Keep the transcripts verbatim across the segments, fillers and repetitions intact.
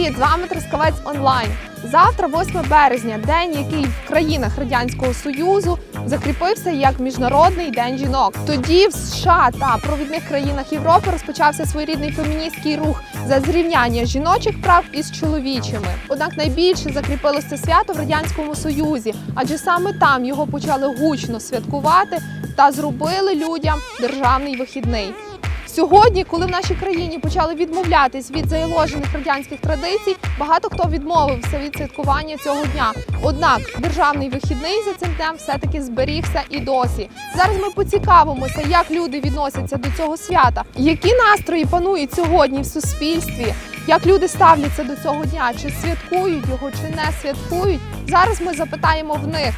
Привіт! З вами Трускавець онлайн. Завтра, восьме березня, день, який в країнах Радянського Союзу закріпився як Міжнародний день жінок. Тоді в США та провідних країнах Європи розпочався своєрідний феміністський рух за зрівняння жіночих прав із чоловічими. Однак найбільше закріпилося свято в Радянському Союзі, адже саме там його почали гучно святкувати та зробили людям державний вихідний. Сьогодні, коли в нашій країні почали відмовлятись від заяложених радянських традицій, багато хто відмовився від святкування цього дня. Однак державний вихідний за цим днем все-таки зберігся і досі. Зараз ми поцікавимося, як люди відносяться до цього свята, які настрої панують сьогодні в суспільстві, як люди ставляться до цього дня, чи святкують його, чи не святкують. Зараз ми запитаємо в них.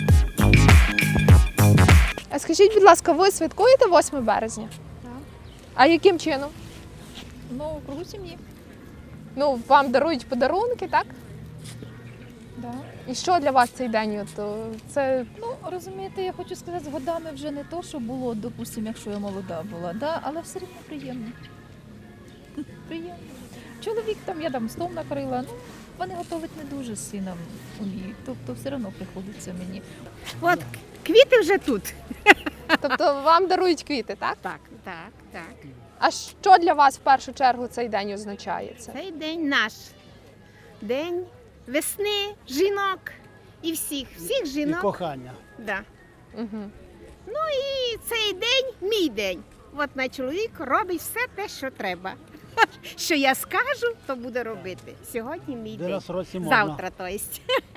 А скажіть, будь ласка, ви святкуєте восьме березня? А яким чином? Ну, в кругу сім'ї. Ну, вам дарують подарунки, так? Да. І що для вас цей день? От, це... Ну, розумієте, я хочу сказати, з годами вже не то, що було, допустимо, якщо я молода була, да? Але все рівно приємно. Приємно. Чоловік там, я там стол накрила, ну, вони готувати не дуже з сином уміють, тобто все одно приходиться мені. От квіти вже тут. Тобто вам дарують квіти, так? Так, так, так. А що для вас в першу чергу цей день означає? Це? Цей день наш. День весни, жінок і всіх, всіх І жінок. кохання. Да. Угу. Ну і цей день мій день. От мій чоловік робить все те, що треба. Що я скажу, то буде робити. Сьогодні мій Де день. раз в році можна. Завтра, то есть.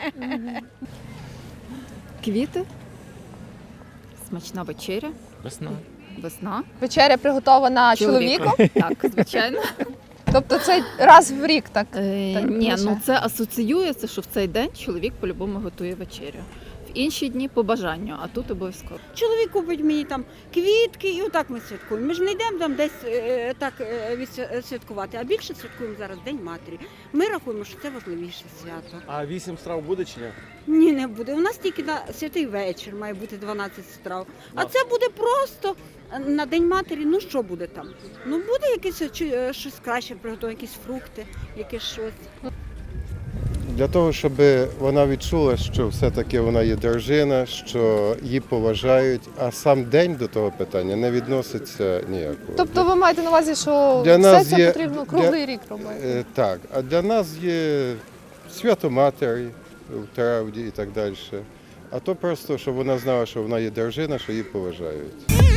Квіти, смачна вечеря, Весна. весна. Вечеря приготована чоловіком? Так, звичайно. Тобто це раз в рік так? Е, Так, ні, лише. ну це асоціюється, що в цей день чоловік по-любому готує вечерю. В інші дні по бажанню, а тут обов'язково. Чоловік купить мені там квітки, і отак ми святкуємо. Ми ж не йдемо там десь е, так е, відсвя- святкувати, а більше святкуємо зараз День матері. Ми рахуємо, що це важливіше свято. А вісім страв буде чи ні? Ні, не буде. У нас тільки на святий вечір має бути дванадцять страв. А це буде просто на День матері. Ну що буде там? Ну буде якесь чи- е, щось краще, приготувати якісь фрукти, якесь щось. Для того, щоб вона відчула, що все-таки вона є дружина, що її поважають, а сам день до того питання не відноситься ніякого. Тобто ви маєте на увазі, що Для все нас це є- потрібно круглий рік робити? Е, Так, а для нас є свято матері в травді і так далі. А то просто, щоб вона знала, що вона є дружина, що її поважають.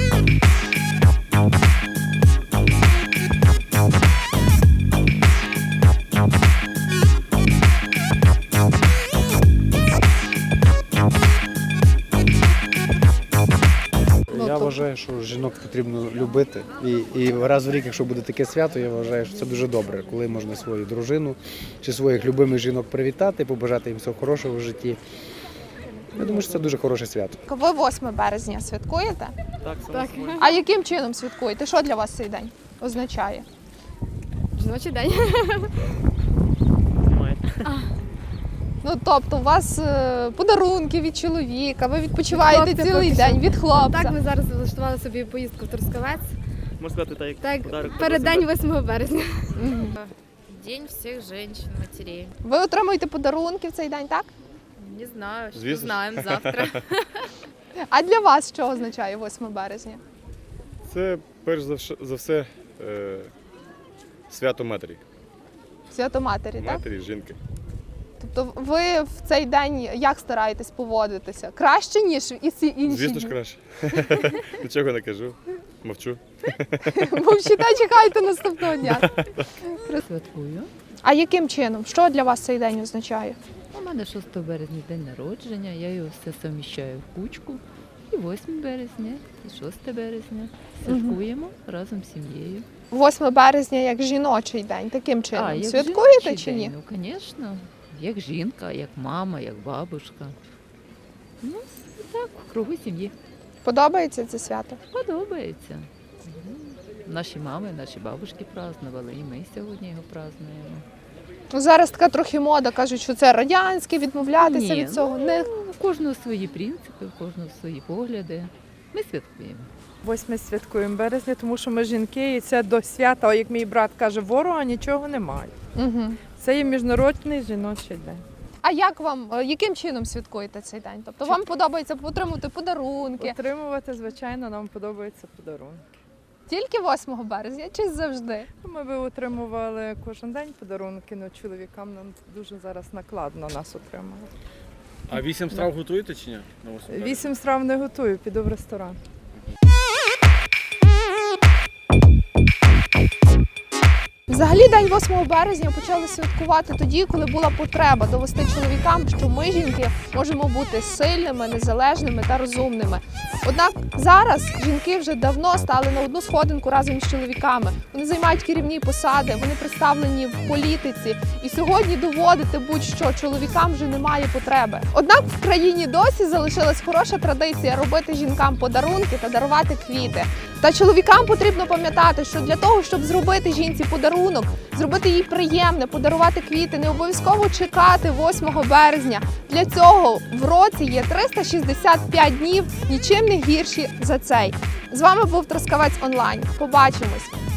Я вважаю, що жінок потрібно любити. І, і раз в рік, якщо буде таке свято, я вважаю, що це дуже добре, коли можна свою дружину чи своїх любимих жінок привітати, побажати їм всього хорошого в житті. Я думаю, що це дуже хороше свято. Ви восьме березня святкуєте? Так, само собою. А яким чином святкуєте? Що для вас цей день означає? Жіночий день. Знімаєте. Ну, тобто у вас е, подарунки від чоловіка, ви відпочиваєте Від хлопця цілий поки день що. від хлопця. Так, ми зараз влаштували собі поїздку в Трускавець. Можна сказати, так, як Так, подарок. перед день восьмого березня. Мгм. День всех женщин, матерей. Ви отримуєте подарунки в цей день, так? Не знаю, что Звісно. знаем завтра. А для вас що означає восьме березня? Це перш за вш- за все е, свято матері. Свято матері, так? Матері, жінки. Тобто ви в цей день як стараєтесь поводитися? Краще, ніж і всі інші Звісно ж дні? краще. Нічого не кажу, мовчу. Мовчите, чекайте наступного дня. Святкую. А яким чином? Що для вас цей день означає? У мене шостого березня день народження, я його все суміщаю в кучку. І восьме березня, і шосте березня. Святкуємо разом з сім'єю. восьме березня як жіночий день, таким чином. як Святкуєте жіночий чи ні? день? Ну, звісно, як жінка, як мама, як бабушка. Ну, так, в кругу сім'ї. Подобається це свято? Подобається. Мгм. Наші мами, наші бабушки празднували, і ми сьогодні його празднуємо. Ну, зараз така трохи мода, кажуть, що це радянське, відмовлятися Ні, від цього. ну, Не... У кожного свої принципи, у кожного свої погляди. Ми святкуємо. восьме святкуємо березня, тому що ми жінки, і це до свята, як мій брат каже, ворога нічого немає. Угу. Це є міжнародний жіночий день. А як вам, е, яким чином святкуєте цей день? Тобто вам подобається отримувати подарунки Отримувати, звичайно, нам подобаються подарунки. тільки восьмого березня чи завжди? Ми би отримували кожен день подарунки, але чоловікам нам дуже зараз накладно нас отримувати. А вісім страв готуєте чи ні? На восьме березня? Вісім страв не готую, піду в ресторан. Взагалі день восьмого березня почали святкувати тоді, коли була потреба довести чоловікам, що ми, жінки, можемо бути сильними, незалежними та розумними. Однак зараз жінки вже давно стали на одну сходинку разом з чоловіками. Вони займають керівні посади, вони представлені в політиці. І сьогодні доводити будь-що чоловікам вже немає потреби. Однак в країні досі залишилась хороша традиція робити жінкам подарунки та дарувати квіти. Та чоловікам потрібно пам'ятати, що для того, щоб зробити жінці подарунок, зробити їй приємне, подарувати квіти, не обов'язково чекати восьмого березня. Для цього в році є триста шістдесят п'ять днів, нічим не гірші за цей. З вами був Трускавець онлайн. Побачимось!